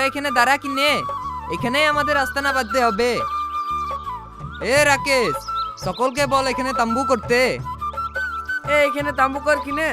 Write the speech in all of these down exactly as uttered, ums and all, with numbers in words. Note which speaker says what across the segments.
Speaker 1: এখানে দাঁড়া কিনে, এখানেই আমাদের আস্তানা বাঁধতে হবে। এ রাকেশ, সকলকে বল এখানে তাম্বু করতে।
Speaker 2: এ এখানে তাম্বু কর কিনে।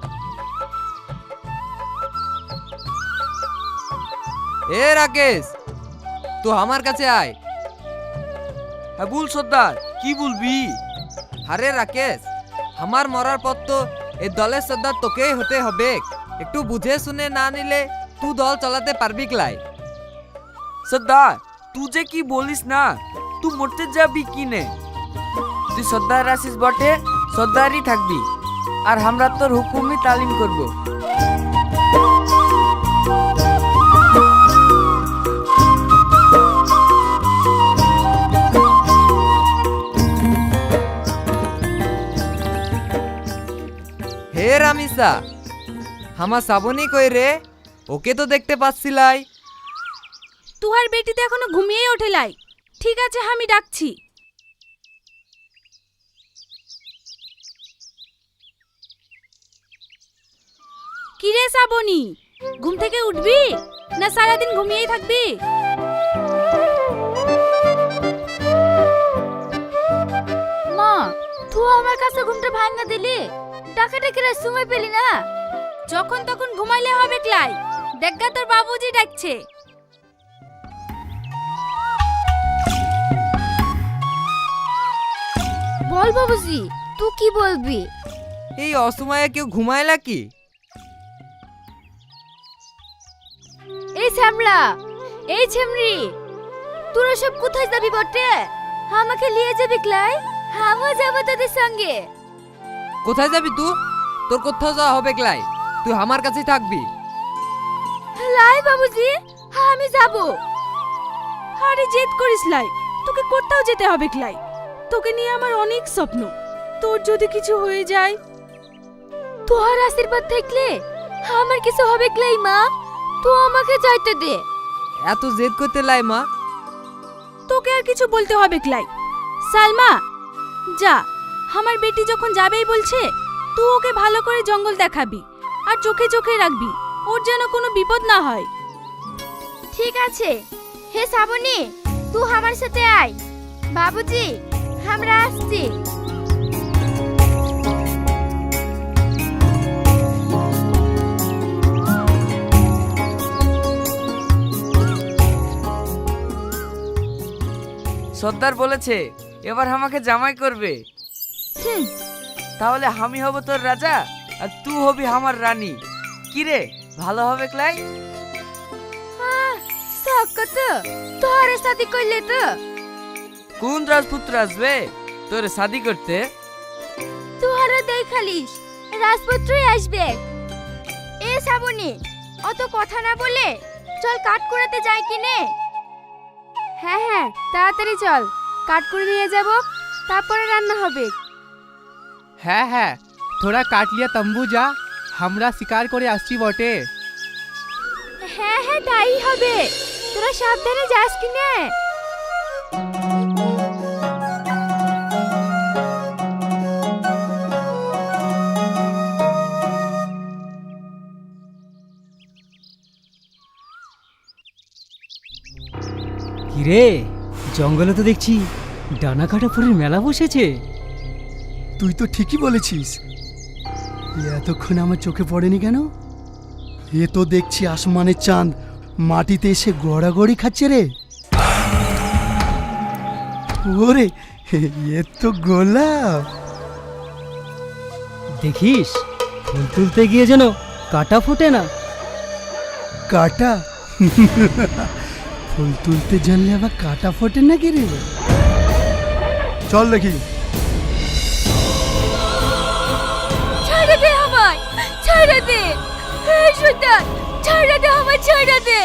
Speaker 1: এ রাকেশ, তুই আমার কাছে আয়।
Speaker 2: হ্যাঁ বল সর্দার, কি বলবি?
Speaker 1: আরে রাকেশ, আমার মরার পর তো এই দলের সর্দার তোকেই হতে হবে। একটু বুঝে শুনে না নিলে তুই দল চালাতে পারবি ক্লাই?
Speaker 2: সর্দার তুই যে কি বলিস না, তুই মরতে যাবি কিনে। তুই সর্দার আসিস বটে, সর্দারই থাকবি, আর আমরা তোর হুকুমই তালিম করব।
Speaker 1: হে রামিসা, আমার শ্রাবণী কই রে? ওকে তো দেখতে পাচ্ছিলাই।
Speaker 3: তুহার বেটি তো এখনো ঘুমিয়েই ওঠে লাই। ঠিক আছে, আমি ডাকছি। কিরে শ্রাবণী, ঘুম থেকে উঠবি না সারাদিন ঘুমিয়েই থাকবি? মা, তুই আমার কাছে ঘুমটা ভাঙা দিলি, ডাকাডাকির সময় পেলি না। যখন তখন ঘুমাইলে হবে ক্লাই, দেখা তোর বাবুজি ডাকছে। বল বাবুজি, তুই কি বলবি?
Speaker 1: এই অসময়ে কেউ ঘুমায়লা কি?
Speaker 3: এই শ্যামলা, এই ছেমরি, তোরা সব কোথায় যাবি বটে? আমাকে নিয়ে যাবি ক্লাই? আমিও যাবো তোদের সঙ্গে।
Speaker 1: কোথায় যাবি তুই? তোর কোথাও যাওয়া হবে ক্লাই, তুই আমার কাছেই থাকবি।
Speaker 3: লাই বাবুজি, আমি যাব। আরে জেদ করিস লাই, তোকে কোথাও যেতে হবে ক্লাই। তোকে নিয়ে আমার অনেক স্বপ্ন। তোর যদি কিছু হয়ে যায়, তোর আশীর্বাদ থাকলে আমার কিছু হবে ক্লাই। মা, তুই আমাকে যাইতে দে।
Speaker 1: এত জেদ করতে লাই মা?
Speaker 3: তোকে আর কিছু বলতে হবে ক্লাই। সালমা, যা, আমার বেটি যখন যাবেই বলছে, তুই ওকে ভালো করে জঙ্গল দেখাবি আর চোখে চোখে রাখবি, ওর যেন কোনো বিপদ না হয়। ঠিক আছে। হে শ্রাবণী, তুই আমার সাথে আয়। বাবুজি, আমরা আসছি।
Speaker 2: সর্দার বলেছে এবার আমাকে জামাই করবে।
Speaker 3: হুম,
Speaker 2: তাহলে আমি হব তোর রাজা আর তুই হবি আমার রানী। কি রে, ভালো হবে ক্লাই?
Speaker 3: সকত তোর সাথে কইলে তো
Speaker 2: কোন রাজপুত্র আসবে তোর শাদি করতে?
Speaker 3: তুহারা দেখালিস রাজপুত্রই আসবে। এ শ্রাবণী, অত কথা না বলে চল কাট করাতে যাই কিনে। হ্যাঁ হ্যাঁ, তাড়াতাড়ি চল, কাট করে নিয়ে যাব, তারপরে রান্না হবে।
Speaker 4: হ্যাঁ হ্যাঁ, থোড়া কাট লিয়া তম্বু যা, আমরা শিকার করে আসছি বটে।
Speaker 3: হ্যাঁ হ্যাঁ, তাই হবে। তোরা সাবধানে যাস কিনে।
Speaker 5: কিরে, জঙ্গলে তো দেখছি ডানা কাটা ফুলের মেলা বসেছে।
Speaker 6: তুই তো ঠিকই বলেছিস, এ এতক্ষণ আমার চোখে পড়েনি কেন? এ তো দেখছি আসমানের চাঁদ মাটিতে এসে গড়াগড়ি খাচ্ছে রে। ওরে, এ তো গোলাপ।
Speaker 5: দেখিস, ফুল তুলতে গিয়ে যেন কাটা ফোটে না।
Speaker 6: কাটা? ফুল তুলতে জানলে আবার কাটা ফোটে নাকি রে? চল দেখি।
Speaker 3: ছেড়ে দে আমায়, ছেড়ে দে। হে সুলতান, ছেড়ে দে আমায়, ছেড়ে দে।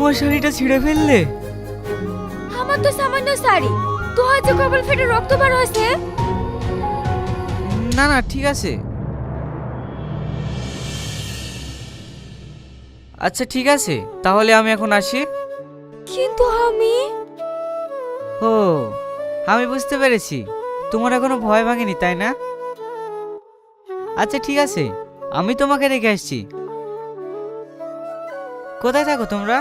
Speaker 2: আমার শাড়িটা ছিঁড়ে ফেললে?
Speaker 3: আমার তো সামান্য শাড়ি, তো হয়তো কপাল ফেটে রক্ত বার হয়েছে।
Speaker 2: না না ঠিক আছে। আচ্ছা ঠিক আছে, তাহলে আমি এখন আসি।
Speaker 3: কিন্তু আমি
Speaker 2: ও, আমি বুঝতে পেরেছি, তোমার এখনো ভয় ভাঙেনি তাই না? আচ্ছা ঠিক আছে, আমি তোমাকে রেখে আসছি। কোথায় থাকো তোমরা?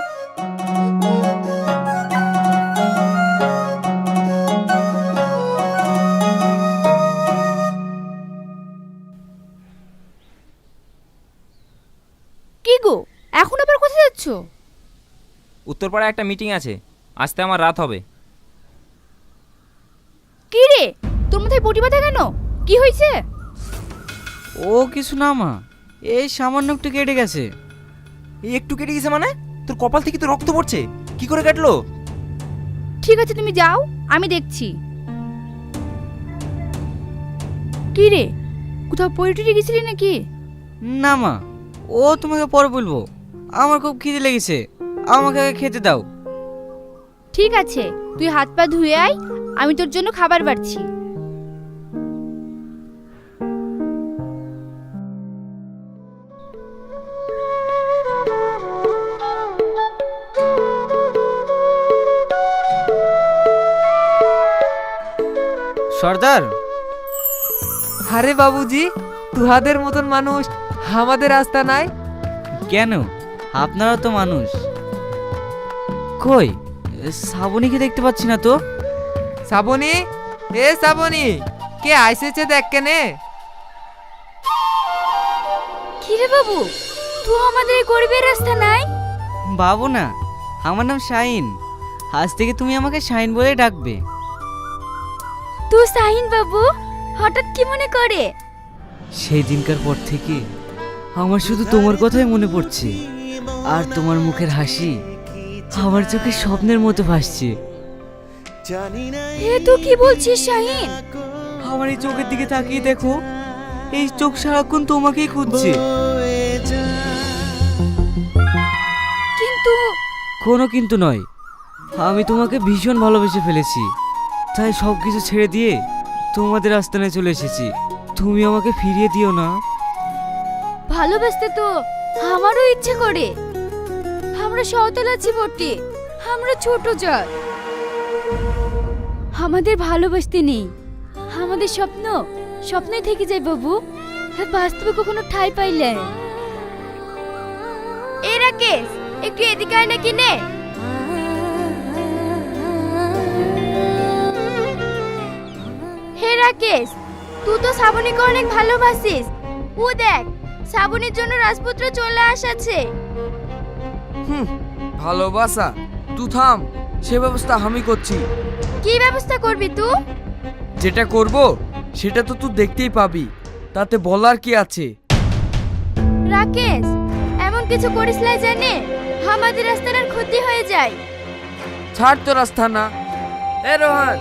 Speaker 3: কি গো, এখন আবার কোথায় যাচ্ছ?
Speaker 7: উত্তরপাড়ায় একটা মিটিং আছে, আসতে আমার রাত হবে।
Speaker 3: কি রে, তোর মাথায় পটি বাঁধা কেন? কি হয়েছে?
Speaker 2: ও কিছু না মা, এই সামান্য একটু কেটে গেছে।
Speaker 7: এই একটু কেটে গেছে মানে? তোর কপাল থেকে তো রক্ত পড়ছে, কি করে কাটলো?
Speaker 3: ঠিক আছে তুমি যাও, আমি দেখছি। কি রে, কোথাও পড়ে গেছিলি নাকি?
Speaker 2: না মা, ও তোমাকে পরে বলবো। আমার খুব খিদে লেগেছে, আমাকে আগে খেতে দাও।
Speaker 3: ঠিক আছে, তুই হাত পা ধুয়ে আয়, আমি তোর জন্য খাবার বাড়ছি।
Speaker 2: সর্দার,
Speaker 1: আরে বাবুজি, তুহাদের মতন মানুষ আমাদের রাস্তা নাই?
Speaker 2: কেন, আপনারা তো মানুষ। কই শ্রাবণীকে দেখতে পাচ্ছি না তো?
Speaker 1: শ্রাবণী, এ শ্রাবণী, কে আইসেছে দেখ কেনে।
Speaker 3: কি রে বাবু, তুই আমাদের এই গরিবের রাস্তা নাই?
Speaker 2: বাবু না, আমার নাম শাহিন। আজ থেকে তুমি আমাকে শাহিন বলে ডাকবে।
Speaker 3: তুই শাহিন বাবু, হঠাৎ কি মনে করে?
Speaker 2: সেই দিনকার পর থেকে আমার শুধু তোমার কথাই মনে পড়ছে, আর তোমার মুখের হাসি আমার চোখে স্বপ্নের মতো ভাসছে।
Speaker 3: হে তুই কি বলছিস শাহিন?
Speaker 2: আমার এই চোখের দিকে তাকিয়ে দেখো, এই চোখ সারাক্ষণ তোমাকেই খুঁজছে।
Speaker 3: কিন্তু
Speaker 2: কোনো কিন্তু নয়, আমি তোমাকে ভীষণ ভালোবেসে ফেলেছি, তাই সব কিছু ছেড়ে দিয়ে তোমাদের আস্তানায় চলে এসেছি। তুমি আমাকে ফিরিয়ে দিও না।
Speaker 3: ভালোবাসতে তো আমারও ইচ্ছে করে। আমরা সওতাল আছি বটে, আমরা ছোট জাত, আমাদের ভালোবাসতে নেই। আমাদের স্বপ্ন স্বপ্নই থেকে যায় বাবু, বাস্তবে কখনো ঠাঁই পাইলে। এ রাকেশ, একটু এদিকে আয় না কিনে। হে রাকেশ, তুই তো শ্রাবণীকে অনেক ভালোবাসিস। ও দেখ, শ্রাবণীর জন্য রাজপুত্র চলে আসাছে।
Speaker 2: হুম, ভালোবাসা? তুই থাম, সে ব্যবস্থা আমি করছি।
Speaker 3: কি ব্যবস্থা করবি তুই?
Speaker 2: যেটা করব সেটা তো তুই দেখতেই পাবি, তাতে বলার কি আছে?
Speaker 3: রাকেশ, এমন কিছু করিস না জানে আমাদের রাস্তার আর ক্ষতি হয়ে যায়।
Speaker 2: ছাড় তো রাস্তা না। এ রোহান,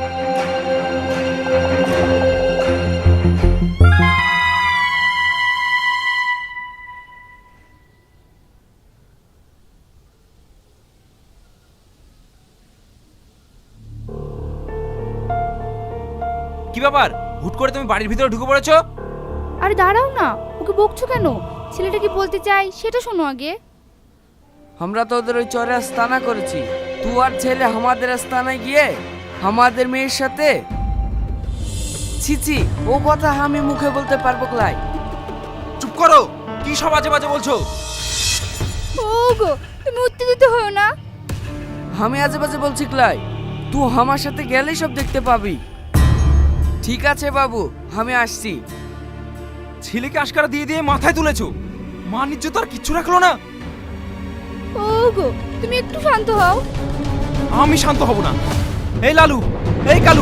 Speaker 7: কি ব্যাপার, হুট করে তুমি বাড়ির ভিতরে ঢুকে পড়েছো?
Speaker 3: আরে দাঁড়াও না, ওকে বকছো কেন? ছেলেটা কি বলতে চাই সেটা শোনো আগে।
Speaker 2: আমরা তো ওদের ওই চরে আস্তানা করেছি, তুই আর ছেলে আমাদের আস্তানায় গিয়ে আমাদের মেয়ের সাথে। ছি ছি, ও কথা আমি মুখে বলতে পারবো ক্লাই?
Speaker 7: চুপ করো, কি সব আজে বাজে বলছো?
Speaker 3: ওগো, তুমি উত্তেজিত হও না।
Speaker 2: আমি আজে বাজে বলছি ক্লাই? তুই আমার সাথে গেলেই সব দেখতে পাবি। ঠিক আছে বাবু, আমি আসছি।
Speaker 7: ছেলেকে আশকারা দিয়ে দিয়ে মাথায় তুলেছো, মান ইজ্জত আর কিচ্ছু রাখলো না।
Speaker 3: ওগো, তুমি একটু শান্ত হও।
Speaker 7: আমি শান্ত হব না। এই লালু, এই কালু,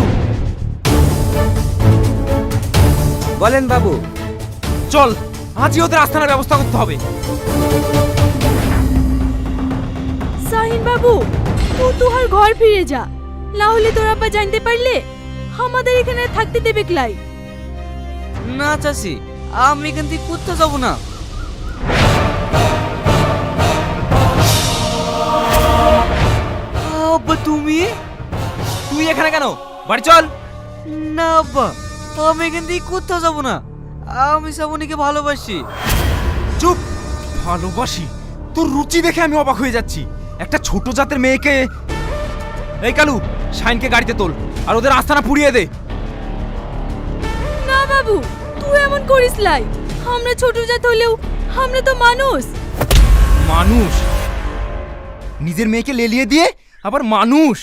Speaker 1: বলেন বাবু।
Speaker 7: চল, আজই ওদের আস্থানার ব্যবস্থা করতে হবে।
Speaker 3: শাহিন বাবু, ও তোহার ঘর ফিরে যা, না হলে তোর আব্বা জানতে পারলে আমাদের এখানে থাকতে দেবে ক্লাই।
Speaker 2: না চাচি, আমি এখান থেকে কোথাও যাবো না।
Speaker 7: বাড়ি চল।
Speaker 2: না আব্বা, আমি এখান থেকে কোথাও যাবো না। আমি শ্রাবণীকে ভালোবাসি।
Speaker 7: চুপ। ভালোবাসি? তোর রুচি দেখে আমি অবাক হয়ে যাচ্ছি। একটা ছোট জাতের মেয়েকে। এই কালু, শাইনকে গাড়িতে তোল আর ওদের আস্তানা পুড়িয়ে দে।
Speaker 3: না বাবু, তুই এমন করিস লাই। আমরা ছোট জাত হলেও আমরা তো মানুষ।
Speaker 7: মানুষ? নিজের মেয়েকে লেলিয়ে দিয়ে আবার মানুষ?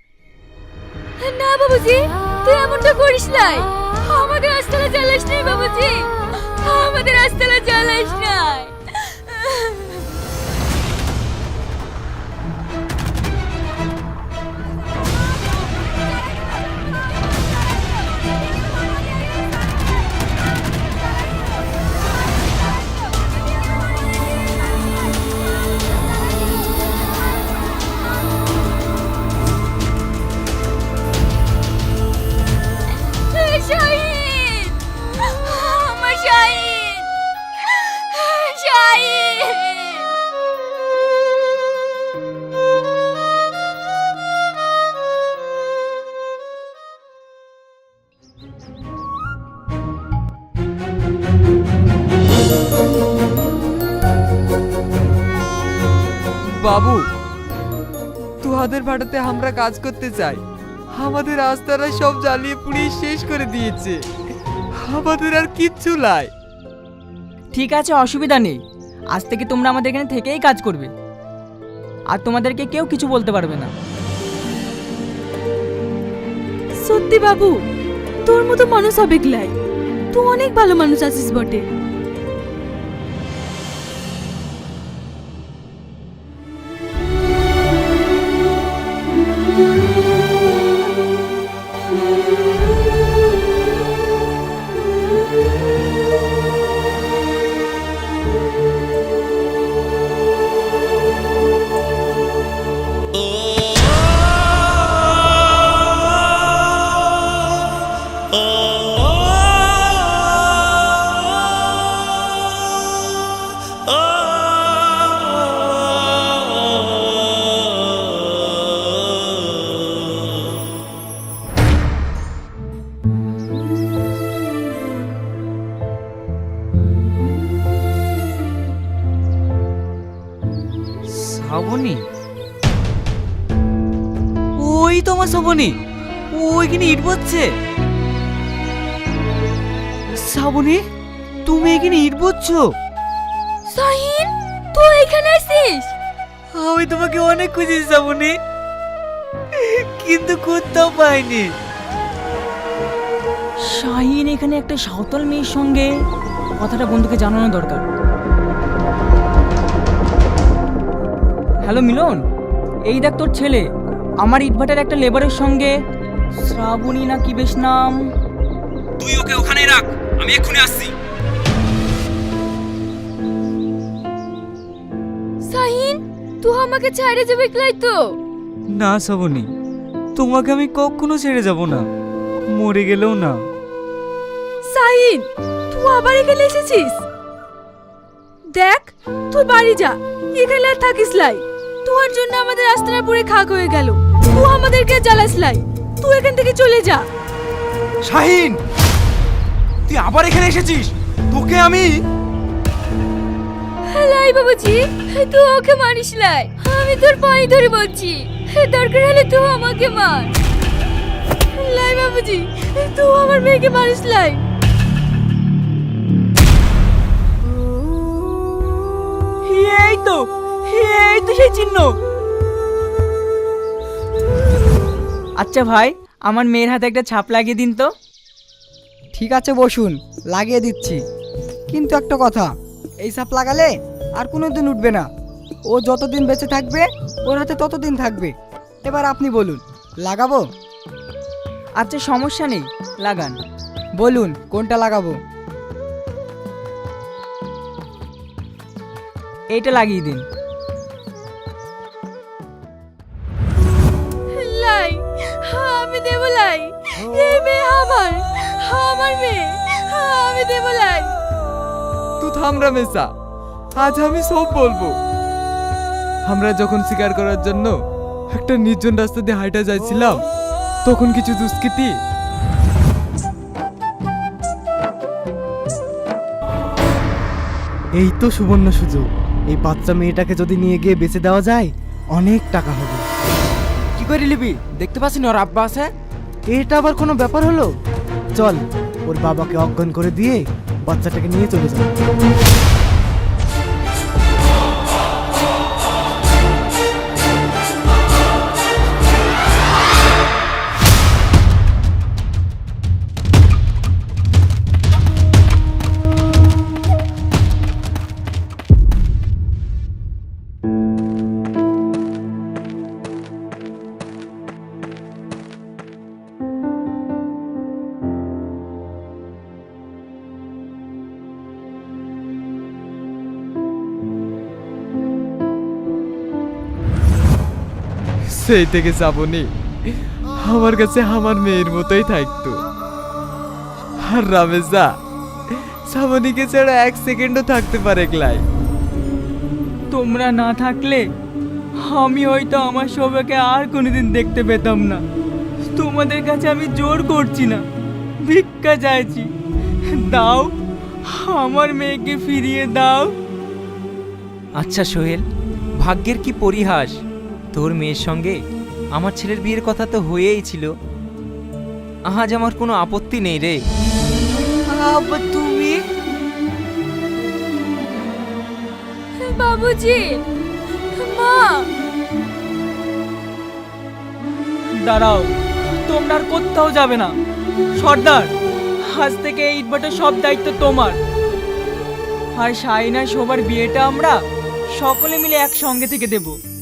Speaker 3: না বাবুজি, তুই এমনটা করিস লাই। আমাদের আস্তানা জ্বালাস নাই বাবুজি, আমাদের আস্তানা জ্বালাস নাই। শাহিন, আমার শাহিন, শাহিন।
Speaker 1: বাবু, তোহাদের ভাড়াতে আমরা কাজ করতে চাই। আমাদের আস্তারা সব জ্বালিয়ে পুড়িয়ে শেষ করে দিয়েছে। আমাদের আর কিচ্ছু নাই।
Speaker 8: ঠিক আছে, অসুবিধা নেই। আজ থেকে তোমরা আমাদের এখানে থেকেই কাজ করবে, আর তোমাদেরকে কেউ কিছু বলতে পারবে না।
Speaker 3: সত্যি বাবু, তোর মতো মানুষ হবে গলাই। তুই অনেক ভালো মানুষ আছিস বটে।
Speaker 2: শ্রাবণী? ওই তো আমার শ্রাবণী, ওইখানে ইট বচ্ছে। শ্রাবণী, তুমি এখানে ইট বচ্ছো?
Speaker 3: শাহিন, তুই এখানে আছিস?
Speaker 2: আমি তোমাকে অনেক খুঁজেছি শ্রাবণী, কিন্তু কোথাও পাইনি।
Speaker 8: শাহিন এখানে একটা সাঁওতাল মেয়ের সঙ্গে কথাটা বন্ধুকে জানানো দরকার। হ্যালো মিলন, এই দেখ তোর ছেলে আমার ইটভাটার একটা লেবারের সঙ্গে, শ্রাবণী না কি বেশ নাম।
Speaker 7: তুই ওকে ওখানেই রাখ, আমি এক্ষুনি আসছি।
Speaker 3: শাহিন, তুই আমাকে ছেড়ে যাবে গলাই তো?
Speaker 2: না শ্রাবণী, তোমাকে আমি কখনো ছেড়ে যাব না, মরে গেলেও না।
Speaker 3: শাহিন, তুই আবার এখানে এসেছিস? দেখ, তুই বাড়ি যা, এখানে আর থাকিস লাই। তোর জন্য আমাদের আস্তানা পুরে খাক হয়ে গেল। তুই আমাদেরকে জ্বালাস লাই। তুই এখান থেকে চলে যা।
Speaker 7: শাহিন, তুই আবার এখানে এসেছিস? তোকে আমি।
Speaker 3: লাই বাবুজি, তুই ওকে মারিস লাই। আমি তোর পায়ে ধরে বলছি, দরকার হলে তুই আমাকে মার। লাই বাবুজি, তুই আমার মেয়েকে মারিস লাই।
Speaker 8: এই তো, এই তো সেই চিহ্ন। আচ্ছা ভাই, আমার মেয়ের হাতে একটা ছাপ লাগিয়ে দিন তো।
Speaker 5: ঠিক আছে বসুন, লাগিয়ে দিচ্ছি। কিন্তু একটা কথা, এই সাপ লাগালে আর কোনো দিন উঠবে না। ও যতদিন বেঁচে থাকবে ওর হাতে ততদিন থাকবে। এবার আপনি বলুন, লাগাবো?
Speaker 8: আচ্ছা সমস্যা নেই, লাগান।
Speaker 5: বলুন কোনটা লাগাবো?
Speaker 8: এইটা লাগিয়ে দিন।
Speaker 3: লাই, আমি দেব লাই। এই মেয়ে আমার, আমার মেয়ে, আমি দেব লাই।
Speaker 1: তুই থাম রামেশা, আজ আমি সব বলবো। আমরা যখন শিকার করার জন্য একটা নির্জন রাস্তা দিয়ে হাইটা যাচ্ছিলাম, তখন কিছু দুষ্কৃতী
Speaker 9: এই তো সুবর্ণ সুযোগ। এই বাচ্চা মেয়েটাকে যদি নিয়ে গিয়ে বেঁচে দেওয়া যায় অনেক টাকা হবে।
Speaker 2: কি করে নিবি? দেখতে পাচ্ছি না ওর আব্বা আছে?
Speaker 9: এটা আবার কোনো ব্যাপার হলো? চল ওর বাবাকে অজ্ঞান করে দিয়ে বাচ্চাটাকে নিয়ে চলে যাও।
Speaker 1: সেই থেকে শ্রাবণী আমার কাছে আমার মেয়ের মতোই থাকতো। আর রামেশদা শ্রাবণীকে ছাড়া এক সেকেন্ডও থাকতে পারে ক্লাই।
Speaker 8: তোমরা না থাকলে আমি হয়তো আমার সবাইকে আর কোনোদিন দেখতে পেতাম না। তোমাদের কাছে আমি জোর করছি না, ভিক্ষা চাইছি, দাও, আমার মেয়েকে ফিরিয়ে দাও।
Speaker 7: আচ্ছা সোহেল, ভাগ্যের কি পরিহাস, তোর মেয়ের সঙ্গে আমার ছেলের বিয়ের কথা তো হয়েই ছিল। আজ আমার কোনো আপত্তি নেই রে।
Speaker 2: আব্বা তুমি?
Speaker 3: বাবুজি, মা,
Speaker 8: দাঁড়াও, তোমরা আর কোথাও যাবে না। সর্দার, আজ থেকে এই ইটভাটার সব দায়িত্ব তোমার। আর শাইনা সবার বিয়েটা আমরা সকলে মিলে একসঙ্গে থেকে দেবো।